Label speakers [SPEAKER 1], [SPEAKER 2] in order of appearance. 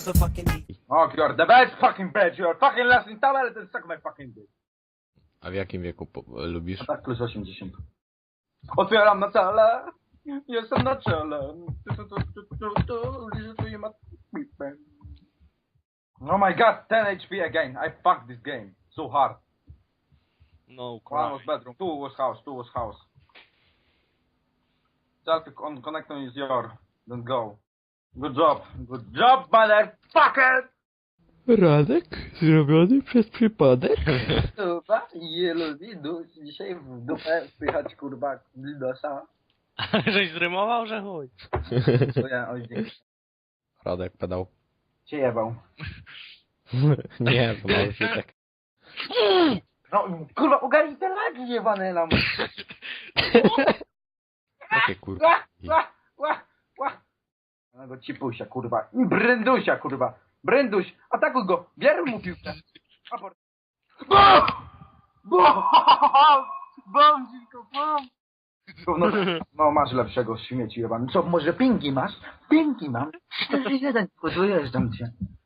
[SPEAKER 1] motherfucking heat.
[SPEAKER 2] Oh, you're the best fucking bitch. You're fucking lasting towel and suck my fucking dick.
[SPEAKER 3] A w jakim wieku lubisz?
[SPEAKER 2] A tak plus 80. Otwieram na cele. Jestem na czele. Liczytuję ma pipę. Oh my god, 10 HP again. I fucked this game. So hard.
[SPEAKER 4] No
[SPEAKER 2] One was
[SPEAKER 4] cry.
[SPEAKER 2] bedroom, two was house. Selfie on connector is your. Don't go. Good job, motherfucker!
[SPEAKER 3] Radek zrobiony przez przypadek?
[SPEAKER 5] Kurwa, je lubi dzisiaj w dupę wpychać kurwa Lidosa.
[SPEAKER 4] Żeś zrymował, że chuj.
[SPEAKER 5] To ja dzięki.
[SPEAKER 3] Radek pedał.
[SPEAKER 5] Cię jebał.
[SPEAKER 3] Nie, to może się tak.
[SPEAKER 5] No kurwa, ogarnij te lagi jebane nam.
[SPEAKER 3] Jakie kurwa.
[SPEAKER 5] Na go cipusia kurwa. I bryndusia kurwa. Brynduś, atakuj go. Bierz mu piłkę. Aport. Bom, dziwko, bom.
[SPEAKER 2] No masz lepszego śmieci jebany.
[SPEAKER 5] Co, może pinki masz? Pinki mam. 4-1, tylko dojeżdżam cię.